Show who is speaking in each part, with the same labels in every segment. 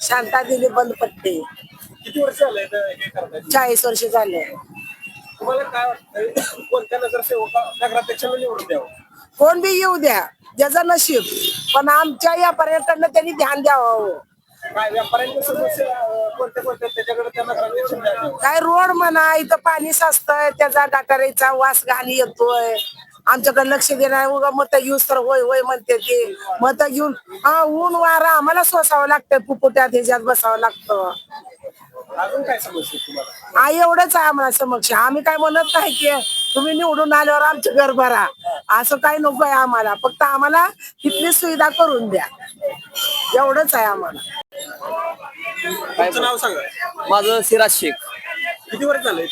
Speaker 1: शांता दिली बंद पट्टे.
Speaker 2: किती वर्ष झाले हे करताय?
Speaker 1: 40 वर्ष झाले.
Speaker 2: तुम्हाला काय वाटतंय कोणत्या नगरसेवका नगराध्यक्षाला निवडून द्यावं?
Speaker 1: कोण बी येऊ द्या, ज्याचं नशीब, पण आमच्या या पर्यटनाला त्यांनी ध्यान द्यावं.
Speaker 2: काय व्यापाऱ्यांच्या समस्या कोणत्या कोणत्या त्याच्याकडे त्या नगराध्यक्षाला द्यावं?
Speaker 1: काय रोड म्हणा, इथं पाणी साचतंय, त्याचा गटारीचा वास घाण येतोय. आमच्याकडे लक्ष देणार, उगा मत घेऊस तर होय होय म्हणते ते. मत घेऊन ऊन वारा आम्हाला सोसावं लागतं, पुपुट्यात ह्याच्यात बसावं लागतं.
Speaker 2: अजून काय समस्या तुम्हाला?
Speaker 1: एवढंच आहे आम्हाला समक्ष. आम्ही काय म्हणत नाही की तुम्ही निवडून आल्यावर आमचं घर भरा, असं काही नको आहे आम्हाला. फक्त आम्हाला तिथली सुविधा करून द्या, एवढंच आहे आम्हाला.
Speaker 2: तुमचं नाव सांगा.
Speaker 3: माझं सिराज शेख.
Speaker 2: किती वर्ष झाले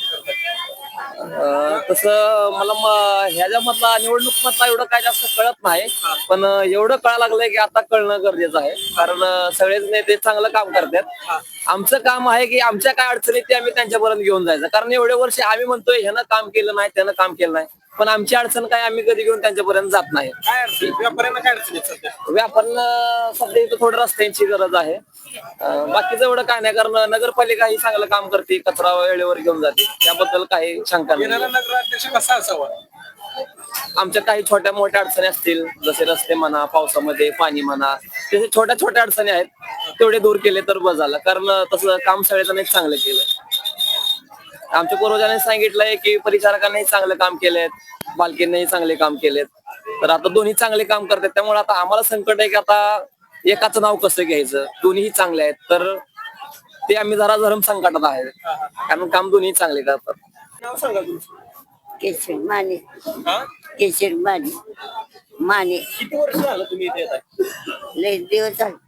Speaker 3: तसं मला ह्याच्या मधला निवडणूक मधला एवढं काय जास्त कळत नाही, पण एवढं कळायला लागलंय की आता कळणं गरजेचं आहे. कारण सगळेच नेते चांगलं काम करतात. आमचं काम आहे की आमच्या काय अडचणी ते आम्ही त्यांच्यापर्यंत घेऊन जायचं. कारण एवढे वर्ष आम्ही म्हणतोय ह्यानं काम केलं नाही, त्यानं काम केलं नाही, पण आमची अडचण काय आम्ही कधी घेऊन त्यांच्यापर्यंत जात नाही.
Speaker 2: काय अडचण? व्यापाऱ्यांना काय अडचण आहे सध्या?
Speaker 3: व्यापाऱ्यांना सध्या इथं थोडं रस्त्यांची गरज आहे. बाकीचं एवढं काय नाही, कारण नगरपालिका ही चांगलं काम करते, कचरा वेळेवर घेऊन जाते, त्याबद्दल काही शंका
Speaker 2: येणारा
Speaker 3: नाही.
Speaker 2: नगराध्यक्ष कसा असावा?
Speaker 3: आमच्या काही छोट्या मोठ्या अडचणी असतील, जसे रस्ते म्हणा, पावसामध्ये पाणी म्हणा, तसे छोट्या छोट्या अडचणी आहेत, तेवढे दूर केले तर बस झालं. कारण तसं काम सगळ्यांनीच चांगलं केलं. आमच्या पूर्वजांनी सांगितलंय की परिचारकांनाही चांगलं काम केलंय, बालकींनाही चांगले काम केलेत. तर आता दोन्ही चांगले काम करतात, त्यामुळे आता आम्हाला संकट आहे की आता एकाचं नाव कसं घ्यायचं. दोन्हीही चांगले आहेत, तर ते आम्ही जरा धर्म संकटात आहे, कारण काम दोन्ही चांगले करतात.
Speaker 2: नाव सांगा तुमचं.
Speaker 4: केशर माने.
Speaker 2: हा?
Speaker 4: केशर माने. माने.
Speaker 2: किती वर्ष झालं तुम्ही इथे येताय?
Speaker 4: लय दिवस झाले.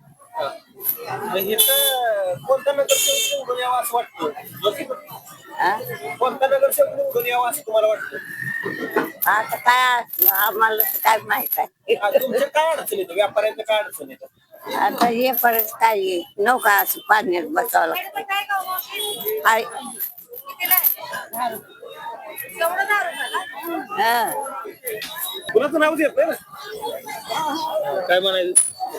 Speaker 2: इथं कोणता नगरसेवक निवडून यावा असं वाटतं?
Speaker 4: हा?
Speaker 2: कोणता नगरसेवक निवडून यावा असं तुम्हाला वाटतं?
Speaker 4: आता काय आम्हाला तर काय माहित आहे.
Speaker 2: तुमच्या काय अडचण येतं? व्यापाऱ्यांच्या काय अडचण येतं?
Speaker 4: आता हे परत काय आहे, नौका असं पाण्यात बसावं लागतं. हाय. हा.
Speaker 2: कुणाचं नाव येत ना? काय म्हणायचं?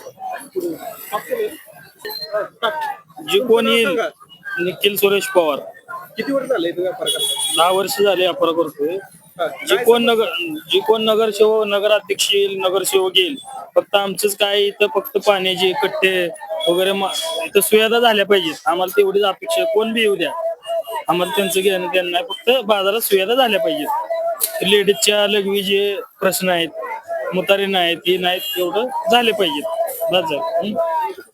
Speaker 5: जी कोण येईल निखिल सुरेश पवार.
Speaker 2: किती वर्ष झाले इथं व्यापार करताय?
Speaker 5: 10 वर्ष झाले व्यापार करतोय. जी कोण नगरसेवक नगराध्यक्ष येईल, नगरसेवक येईल, फक्त आमचंच काय इथं फक्त पाण्याचे कट्टे वगैरे इथं सुविधा झाल्या पाहिजेत. आम्हाला तेवढीच अपेक्षा. कोण बी येऊ द्या, आम्हाला त्यांचं घेणं देणं नाही, फक्त बाजारात सुविधा झाल्या पाहिजेत. लेडीजच्या लघवी जे प्रश्न आहेत, मुतारी नाहीत, हे नाहीत, एवढं झाले पाहिजेत. बस झालं.